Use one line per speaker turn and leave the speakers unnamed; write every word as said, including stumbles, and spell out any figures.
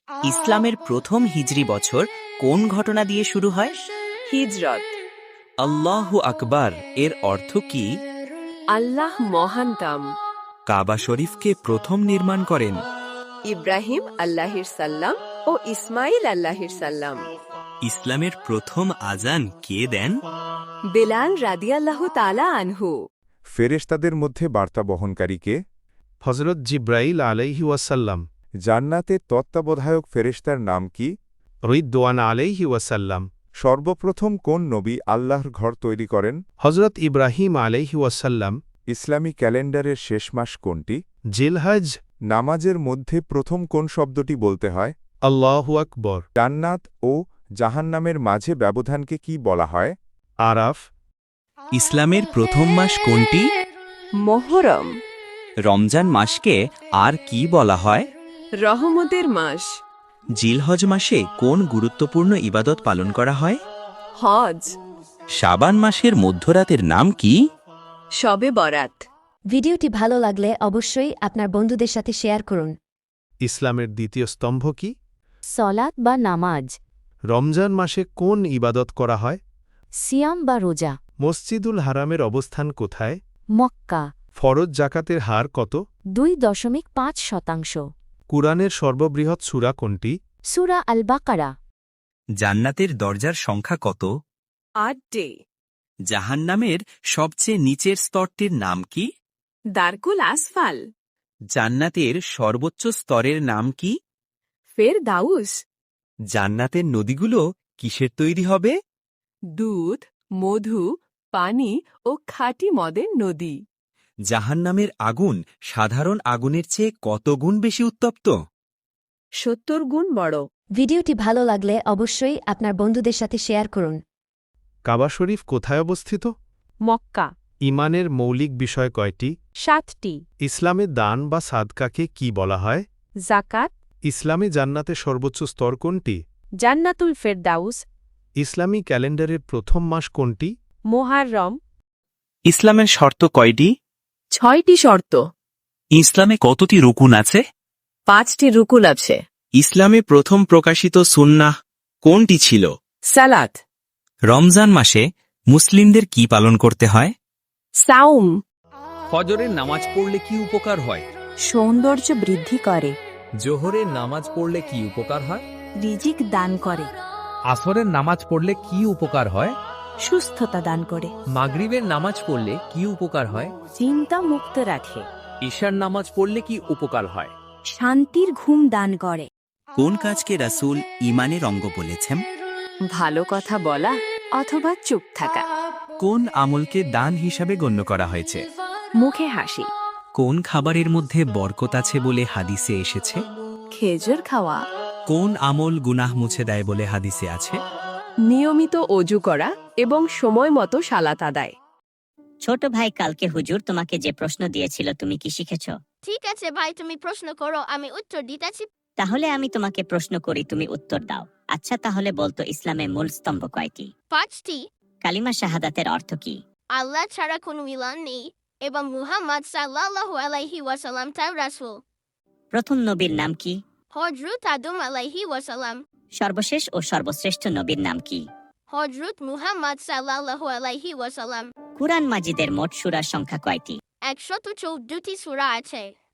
ইসলামের প্রথম হিজরি বছর কোন ঘটনা দিয়ে শুরু হয়?
হিজরত।
আল্লাহু আকবার এর অর্থ কি?
আল্লাহ মহানতম।
কাবা শরীফকে প্রথম নির্মাণ করেন
ইব্রাহিম আল্লাহির সাল্লাম ও ইসমাইল আল্লাহির সাল্লাম।
ইসলামের প্রথম আজান কে দেন?
বেলাল রাদিয়াল্লাহু তাআলা আনহু।
ফেরেশতাদের মধ্যে বার্তা বহনকারী কে?
হজরত জিব্রাইল আলাইহি ওয়াসাল্লাম।
জান্নাতের তত্ত্বাবধায়ক ফেরেশতার নাম কি?
রিদওয়ান আলাইহি ওয়াসাল্লাম।
সর্বপ্রথম কোন নবী আল্লাহর ঘর তৈরি করেন?
হজরত ইব্রাহিম আলাইহি ওয়াসাল্লাম।
ইসলামী ক্যালেন্ডারের শেষ মাস কোনটি?
জিলহজ।
নামাজের মধ্যে প্রথম কোন শব্দটি বলতে হয়?
আল্লাহু আকবর।
জান্নাত ও জাহান্নামের মাঝে ব্যবধানকে কি বলা হয়?
আরাফ।
ইসলামের প্রথম মাস কোনটি?
মোহরম।
রমজান মাসকে আর কি বলা হয়?
রহমতের মাস।
জিলহজ মাসে কোন গুরুত্বপূর্ণ ইবাদত পালন করা হয়?
হজ।
শাবান মাসের মধ্যরাতের নাম কি?
শবে বরাত।
ভিডিওটি ভালো লাগলে অবশ্যই আপনার বন্ধুদের সাথে শেয়ার করুন।
ইসলামের দ্বিতীয় স্তম্ভ কি?
সলাত বা নামাজ,
রমজান মাসে কোন ইবাদত করা হয়?
সিয়াম বা রোজা,
মসজিদুল হারামের অবস্থান কোথায়?
মক্কা।
ফরজ জাকাতের হার কত?
দুই দশমিক পাঁচ শতাংশ।
কুরআনের সর্ববৃহৎ সূরা কোনটি?
সূরা আল বাকারা।
জান্নাতের দরজার সংখ্যা কত?
আটটি।
জাহান্নামের সবচেয়ে নিচের স্তরটির নাম কি?
দারকুল আসফাল।
জান্নাতের সর্বোচ্চ স্তরের নাম কি?
ফের দাউস।
জান্নাতের নদীগুলো কিসের তৈরি হবে?
দুধ, মধু, পানি ও খাঁটি মদের নদী।
জাহান্নামের আগুন সাধারণ আগুনের চেয়ে কত গুণ বেশি উত্তপ্ত?
সত্তর গুণ বড়।
ভিডিওটি ভালো লাগলে অবশ্যই আপনার বন্ধুদের সাথে শেয়ার করুন।
কাবা শরীফ কোথায় অবস্থিত?
মক্কা।
ইমানের মৌলিক বিষয় কয়টি?
সাতটি।
ইসলামে দান বা সাদকাকে কি বলা হয়?
জাকাত।
ইসলামে জান্নাতের সর্বোচ্চ স্তর কোনটি?
জান্নাতুল ফেরদাউস।
ইসলামী ক্যালেন্ডারের প্রথম মাস কোনটি?
মোহাররম।
ইসলামের শর্ত কয়টি?
ছয়টি শর্ত।
ইসলামে কতটি রুকুন আছে?
পাঁচটি রুকুল আছে।
ইসলামে প্রথম প্রকাশিত সুন্নাহ কোনটি ছিল?
সালাত।
রমজান মাসে মুসলিমদের কি পালন করতে হয়?
সাউম।
ফজরের নামাজ পড়লে কি উপকার হয়?
সৌন্দর্য বৃদ্ধি করে।
জোহরের নামাজ পড়লে কি উপকার হয়?
রিজিক দান করে।
আসরের নামাজ পড়লে কি উপকার হয়?
সুস্থতা দান করে।
মাগরিবের নামাজ পড়লে কি উপকার হয়?
চিন্তা মুক্ত রাখে।
ঈশার নামাজ পড়লে কি উপকার হয়?
শান্তির ঘুম দান করে।
কোন কাজকে রাসূল ঈমানের অঙ্গ বলেছেন?
ভালো কথা বলা অথবা চুপ থাকা।
কোন আমলকে দান হিসাবে গণ্য করা হয়েছে?
মুখে হাসি।
কোন খাবারের মধ্যে বরকত আছে বলে হাদিসে এসেছে?
খেজুর খাওয়া।
কোন আমল গুনাহ মুছে দেয় বলে হাদিসে আছে?
নিয়মিত অজু করা এবং সময় মতো সালাত আদায়।
ছোট ভাই, কালকে হুজুর তোমাকে যে প্রশ্ন দিয়েছিল তুমি কি শিখেছ?
ঠিক আছে ভাই, তুমি প্রশ্ন করো, আমি উত্তর দিতেছি।
তাহলে আমি তোমাকে প্রশ্ন করি, তুমি উত্তর দাও। আচ্ছা, তাহলে বলতো ইসলামের মূল স্তম্ভ কয়টি?
পাঁচটি।
কালিমা শাহাদাতের অর্থ কি?
আল্লাহ ছাড়া কোনো ইলাহ নেই এবং মুহাম্মদ সাল্লাল্লাহু আলাইহি ওয়াসাল্লাম তার রাসূল।
প্রথম নবীর নাম কি?
হযরত আদম আলাইহি ওয়াসাল্লাম।
সর্বশেষ ও সর্বশ্রেষ্ঠ নবীর নাম কি?
হযরত মুহাম্মদ সাল্লাল্লাহু আলাইহি ওয়াসাল্লাম।
কুরআন মাজিদের মোট সূরার সংখ্যা কয়টি?
একশত চৌদ্দটি সূরা আছে।